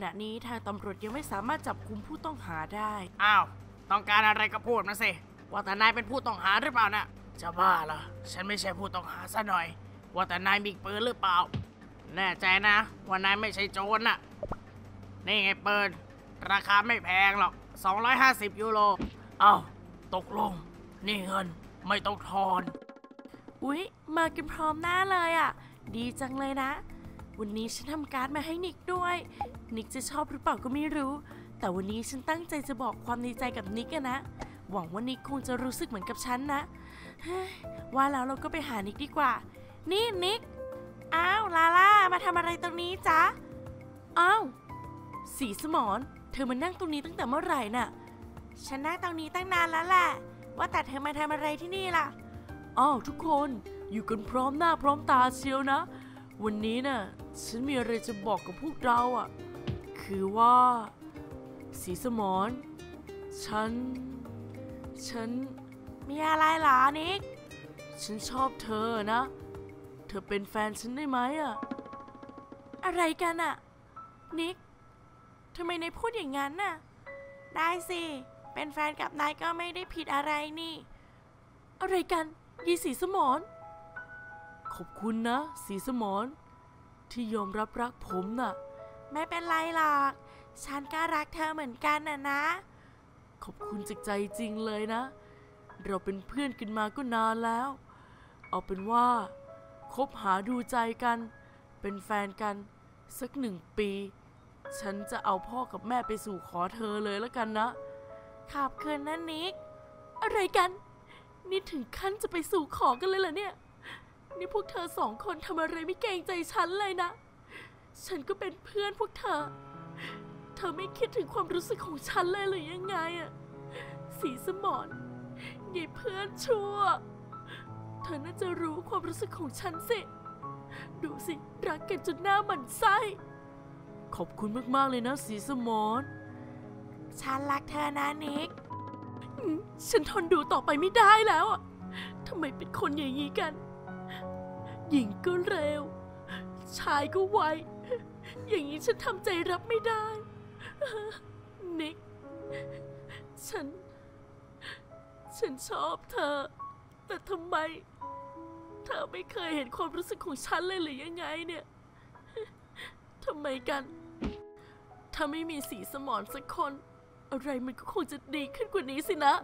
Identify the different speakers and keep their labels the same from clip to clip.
Speaker 1: ณะนี้ทางตำรวจยังไม่สามารถจับกุมผู้ต้องหาได้
Speaker 2: อ้าวต้องการอะไรก็พูดมาสิว่าแต่นายเป็นผู้ต้องหาหรือเปล่านะจะบ้าเหรอฉันไม่ใช่ผู้ต้องหาซะหน่อยว่าแต่นายมีปืนหรือเปล่าแน่ใจนะว่านายไม่ใช่โจรน่ะนี่ไงปืนราคาไม่แพงหรอก250 ยูโรเอ้าตกลงนี่เงินไม่ต้องทอน
Speaker 1: อุ๊ยมากันพร้อมหน้าเลยอ่ะดีจังเลยนะวันนี้ฉันทำการ์ดมาให้นิกด้วยนิกจะชอบหรือเปล่าก็ไม่รู้แต่วันนี้ฉันตั้งใจจะบอกความในใจกับนิกนะหวังว่านิกคงจะรู้สึกเหมือนกับฉันนะว่าแล้วเราก็ไปหานิกดีกว่านี่นิกอ้าวลาล่ามาทำอะไรตรงนี้จ๊ะอ้าวสีสมรเธอมานั่งตรงนี้ตั้งแต่เมื่อไหร่น่ะฉันนั่งตรงนี้ตั้งนานแล้วแหละว่าแต่เธอมาทำอะไรที่นี่ล่ะอ้าวทุกคนอยู่กันพร้อมหน้าพร้อมตาเชียวนะวันนี้น่ะฉันมีอะไรจะบอกกับพวกเราอ่ะคือว่าสีสมรฉันมีอะไรหรอนิกฉันชอบเธอนะเธอเป็นแฟนฉันได้ไหมอ่ะอะไรกันอ่ะนิกทำไมนายพูดอย่างนั้นน่ะได้สิเป็นแฟนกับนายก็ไม่ได้ผิดอะไรนี่อะไรกันยีสีสมรขอบคุณนะสีสมรที่ยอมรับรักผมน่ะไม่เป็นไรหรอกฉันก็รักเธอเหมือนกันนะขอบคุณจากใจจริงเลยนะเราเป็นเพื่อนกันมาก็นานแล้วเอาเป็นว่าคบหาดูใจกันเป็นแฟนกันสัก1 ปีฉันจะเอาพ่อกับแม่ไปสู่ขอเธอเลยแล้วกันนะขอบคุณนะนิกอะไรกันนี่ถึงขั้นจะไปสู่ขอกันเลยเหรอเนี่ยนี่พวกเธอ2 คนทำอะไรไม่เกรงใจฉันเลยนะฉันก็เป็นเพื่อนพวกเธอไม่คิดถึงความรู้สึกของฉันเลยหรือยังไงอะสีสมรยายเพื่อนชั่วเธอน่าจะรู้ความรู้สึกของฉันสิดูสิรักกันจนหน้าหมั่นไส้ขอบคุณมากๆเลยนะสีสมรฉันรักเธอนะนิกฉันทนดูต่อไปไม่ได้แล้วอ่ะทำไมเป็นคนอย่างนี้กันหญิงก็เร็วชายก็ไวอย่างนี้ฉันทำใจรับไม่ได้นิกฉันชอบเธอแต่ทำไมเธอไม่เคยเห็นความรู้สึกของฉันเลยหรือยังไงเนี่ยทำไมกันถ้าไม่มีสีสมรสักคนอะไรมันก็คงจะดีขึ้นกว่านี้สินะ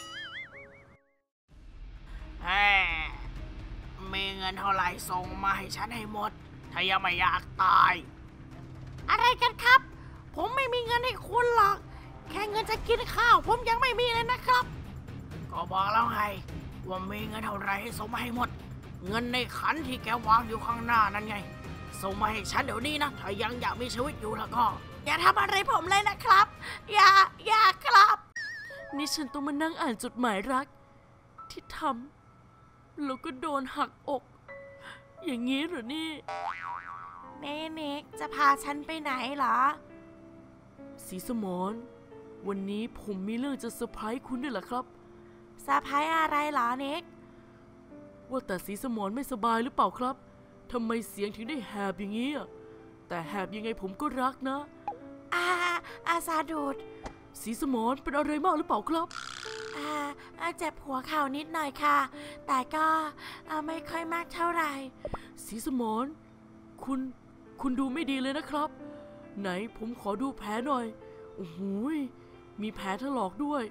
Speaker 2: มีเงินเท่าไหร่ส่งมาให้ฉันให้หมดถ้ายังไม่อยากตายอะไรกันครับผมไม่มีเงินให้คุณหรอกแค่เงินจะกินข้าวผมยังไม่มีเลยนะครับก็บอกแล้วไงว่ามีเงินเท่าไหร่ให้ส่งมาให้หมดเงินในขันที่แกวางอยู่ข้างหน้านั่นไงส่งมาให้ฉันเดี๋ยวนี้นะถ้ายังอยากมีชีวิตอยู่แล้วก็อย่าทำอะไรผมเลยนะครับอย่าครับ
Speaker 1: นี่ฉันต้องมานั่งอ่านจดหมายรักที่ทำแล้วก็โดนหักอกอย่างนี้เหรอนี่นิกจะพาฉันไปไหนเหรอสีสมรวันนี้ผมมีเรื่องจะเซอร์ไพรส์คุณด้วยเหรอครับเซอร์ไพรส์อะไรเหรอนิกว่าแต่สีสมรไม่สบายหรือเปล่าครับทำไมเสียงถึงได้แหบอย่างนี้แต่แหบยังไงผมก็รักนะอาซาดูดสีสมรเป็นอะไรมากหรือเปล่าครับเจ็บหัวเข่านิดหน่อยค่ะแต่ก็ไม่ค่อยมากเท่าไหร่สีสมรคุณดูไม่ดีเลยนะครับไหนผมขอดูแผลหน่อยโอ้โหมีแผลถลอกด้วย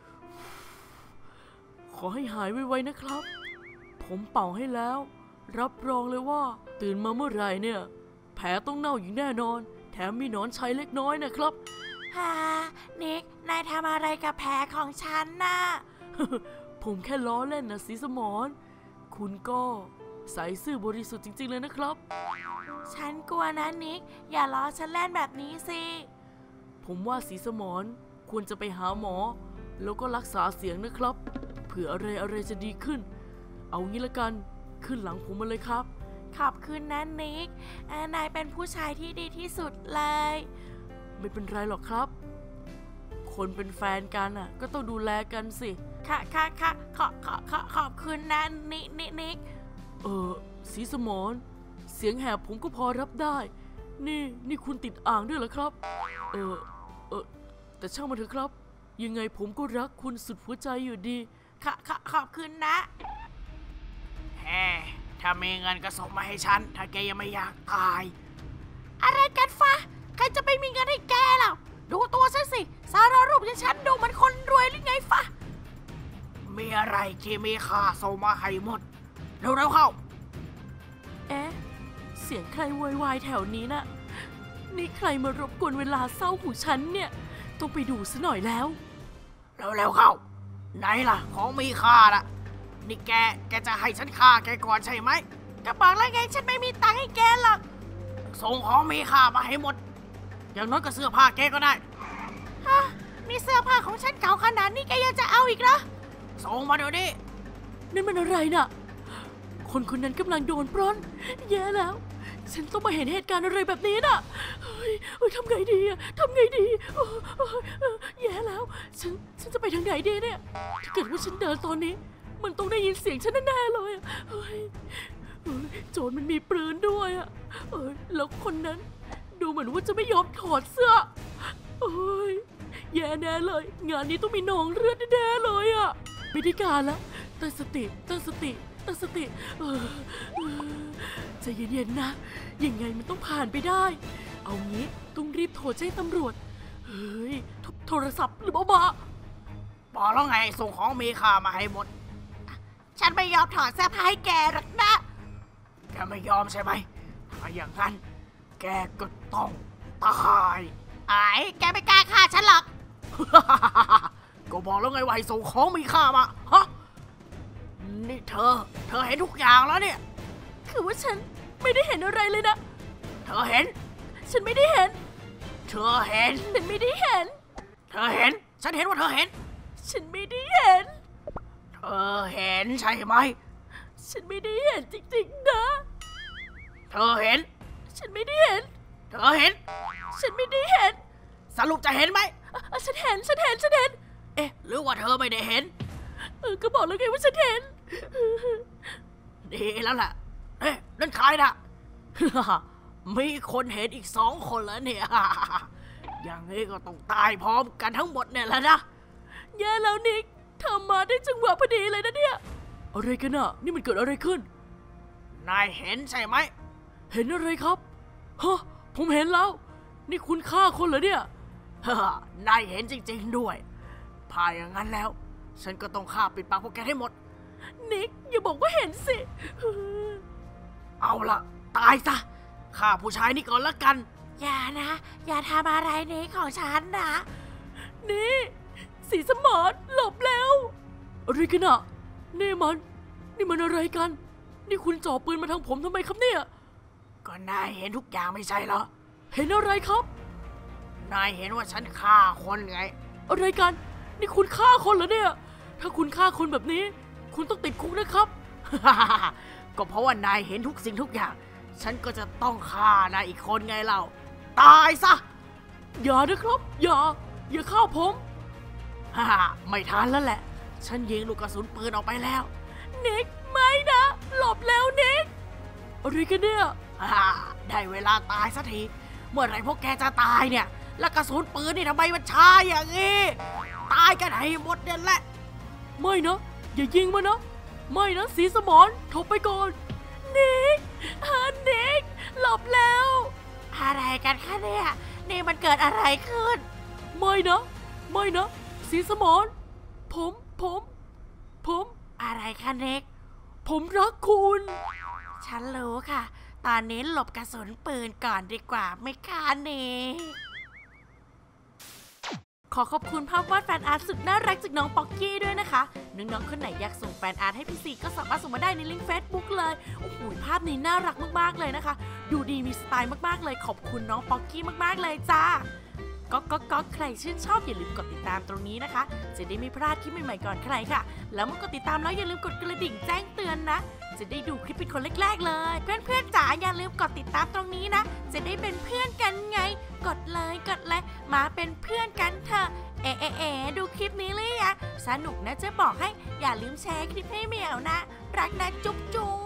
Speaker 1: ขอให้หายไวๆนะครับผมเป่าให้แล้วรับรองเลยว่าตื่นมาเมื่อไหร่เนี่ยแผลต้องเน่าอย่างแน่นอนแถมมีหนอนชัยเล็กน้อยนะครับนิกนายทำอะไรกับแผลของฉันน่ะ ผมแค่ล้อเล่นนะสีสมรคุณก็ใส่ซื่อบริสุทธิ์จริงๆเลยนะครับฉันกลัวนะนิกอย่าล้อฉันเล่นแบบนี้สิผมว่าสีสมรควรจะไปหาหมอแล้วก็รักษาเสียงนะครับเผื่ออะไรจะดีขึ้นเอางี้ละกันขึ้นหลังผมมาเลยครับขอบคุณนะนิกนายเป็นผู้ชายที่ดีที่สุดเลยไม่เป็นไรหรอกครับคนเป็นแฟนกันก็ต้องดูแลกันสิค่ะขอบคุณนะนิกสีสมรเสียงแหบผมก็พอรับได้นี่คุณติดอ่างด้วยเหรอครับแต่ช่างมันเถอะครับยังไงผมก็รักคุณสุดหัวใจอยู่ดี
Speaker 2: ขอบคุณนะถ้ามีเงินก็ส่งมาให้ฉันถ้าแกยังไม่อยากตายอะไรกันฟะใครจะไปมีเงินให้แกล่ะดูตัวซะสิสารรูปอย่างฉันดูเหมือนคนรวยหรือไงฟะมีอะไรที่มีค่าส่งมาให้หมดเร็วๆเข้า
Speaker 1: เสียงใครโวยวายแถวนี้น่ะนี่ใครมารบกวนเวลาเศร้าของฉันเนี่ยต้องไปดูซะหน่อยแล้ว
Speaker 2: เร็วๆเข้าไหนล่ะของมีค่าล่ะนี่แกจะให้ฉันฆ่าแกก่อนใช่ไหมก็บอกแล้วไงฉันไม่มีตังค์ให้แกหรอกส่งของมีค่ามาให้หมดอย่างน้อยก็เสื้อผ้าแกก็ได้นี่เสื้อผ้าของฉันเก่าขนาดนี้แกยังจะเอาอีกเหรอส่งมาเดี๋ยวนี้
Speaker 1: นั่นมันอะไรน่ะคนนั้นกำลังโดนปล้นแย่แล้วฉันต้องมาเห็นเหตุการณ์อะไรแบบนี้น่ะเฮ้ยทำไงดีแย่แล้วฉันจะไปทางไหนดีเนี่ยถ้าเกิดว่าฉันเดินตอนนี้มันต้องได้ยินเสียงฉันแน่ๆเลยโจรมันมีปืนด้วยแล้วคนนั้นดูเหมือนว่าจะไม่ยอมถอดเสื้อแย่แน่เลยงานนี้ต้องมีนองเลือดแน่ๆเลยไม่ได้การแล้วตั้งสติใจเย็นๆนะยังไงมันต้องผ่านไปได้เอางี้ต้องรีบโทรแจ้งตำรวจโทรศัพท์หรือบอก
Speaker 2: แล้วไงส่งของมีค่ามาให้หมดฉันไม่ยอมถอดเสื้อผ้าให้แกหรอกนะแกไม่ยอมใช่ไหมถ้าอย่างนั้นแกก็ต้องตายแกไม่กล้าฆ่าฉันหรอก ก็บอกแล้วไงว่าให้ส่งของมีค่ามานี่เธอเห็นทุกอย่างแล้วเนี่ย
Speaker 1: คือว่าฉันไม่ได้เห็นอะไรเลยนะ
Speaker 2: เธอเห็น
Speaker 1: ฉันไม่ได้เห็น
Speaker 2: เธอเห็น
Speaker 1: ฉันไม่ได้เห็น
Speaker 2: เธอเห็นฉันเห็นว่าเธอเห็น
Speaker 1: ฉันไม่ได้เห็น
Speaker 2: เธอเห็นใช่ไหม
Speaker 1: ฉันไม่ได้เห็นจริงๆนะ
Speaker 2: เธอเห็น
Speaker 1: ฉันไม่ได้เห็น
Speaker 2: เธอเห็น
Speaker 1: ฉันไม่ได้เห็น
Speaker 2: สรุปจะเห็นไหม
Speaker 1: ฉันเห็น
Speaker 2: หรือว่าเธอไม่ได้เห็น
Speaker 1: ก็บอกแล้วไงว่าฉันเห็น
Speaker 2: ดีแล้วล่ะนั่นใครน่ะ มีคนเห็นอีก2 คนแล้วเนี่ย อย่างนี้ก็ต้องตายพร้อมกันทั้งหมดเนี่ยแหละนะ
Speaker 1: แย่แล้วนิกเธอมาได้จังหวะพอดีเลยนะเนี่ยอะไรกันน่ะนี่มันเกิดอะไรขึ้น
Speaker 2: นายเห็นใช่ไหม
Speaker 1: เห็นอะไรครับผมเห็นแล้วนี่คุณฆ่าคนเหรอเนี่ย
Speaker 2: นายเห็นจริงๆด้วยพาอย่างนั้นแล้วฉันก็ต้องฆ่าปิดปากพวกแกให้หมด
Speaker 1: นิกอย่าบอกว่าเห็นสิ
Speaker 2: เอาล่ะตายซะฆ่าผู้ชายนี่ก่อนละกัน
Speaker 1: อย่านะอย่าทำอะไรนิกของฉันนะนี่สีสมอดหลบแล้วอะไรกันอ่ะนี่มันอะไรกันนี่คุณจ่อปืนมาทางผมทำไมครับเนี่ย
Speaker 2: ก็นายเห็นทุกอย่างไม่ใช่เหรอ
Speaker 1: เห็นอะไรครับ
Speaker 2: นายเห็นว่าฉันฆ่าคนไง
Speaker 1: อะไรกันนี่คุณฆ่าคนเหรอเนี่ยถ้าคุณฆ่าคนแบบนี้คุณต้องติดคุกนะครับ
Speaker 2: ก็เพราะว่านายเห็นทุกสิ่งทุกอย่างฉันก็จะต้องฆ่านายอีกคนไงเล่าตายซะ
Speaker 1: อย่านะครับอย่าฆ่าผม
Speaker 2: ไม่ทันแล้วแหละฉันยิงลูกกระสุนปืนออกไปแล้ว
Speaker 1: นิกไม่นะหลบแล้วนิกอะไรกันเนี่ย
Speaker 2: ได้เวลาตายสักทีเมื่อไหร่พวกแกจะตายเนี่ยแล้วกระสุนปืนนี่ทำไมมันช้าอย่างนี้ตายกันให้หมดเนี่ยแหละ
Speaker 1: ไม่นะอย่ายิงมันนะไม่นะสีสมอนถอยไปก่อนนิกหลบแล้ว
Speaker 2: อะไรกันคะเนี่ยนี่มันเกิดอะไรขึ้น
Speaker 1: ไม่นะสีสมอนผม
Speaker 2: อะไรคะนิก
Speaker 1: ผมรักคุณ
Speaker 2: ฉันรู้ค่ะตอนนี้หลบกระสุนปืนก่อนดีกว่าไม่คะนิก
Speaker 1: ขอขอบคุณภาพวาดแฟนอาร์ตสุดน่ารักจากน้องป๊อกกี้ด้วยนะคะน้องๆคนไหนอยากส่งแฟนอาร์ตให้พี่ซีก็สามารถส่งมาได้ในลิงก์ Facebook เลยโอ้โหภาพนี้น่ารักมากๆเลยนะคะดูดีมีสไตล์มากๆเลยขอบคุณน้องป๊อกกี้มากๆเลยจ้าก็ใครชื่นชอบอย่าลืมกดติดตามตรงนี้นะคะจะได้ไม่พลาดคลิปใหม่ๆก่อนใครค่ะแล้วเมื่อกดติดตามแล้วอย่าลืมกดกระดิ่งแจ้งเตือนนะจะได้ดูคลิปเป็นคนแรกๆเลยเพื่อนๆจ๋าอย่าลืมกดติดตามตรงนี้นะจะได้เป็นเพื่อนกันไงกดเลยมาเป็นเพื่อนกันเถอะดูคลิปนี้เลยอะสนุกนะจะบอกให้อย่าลืมแชร์คลิปให้เหมียวนะรักนะจุ๊บ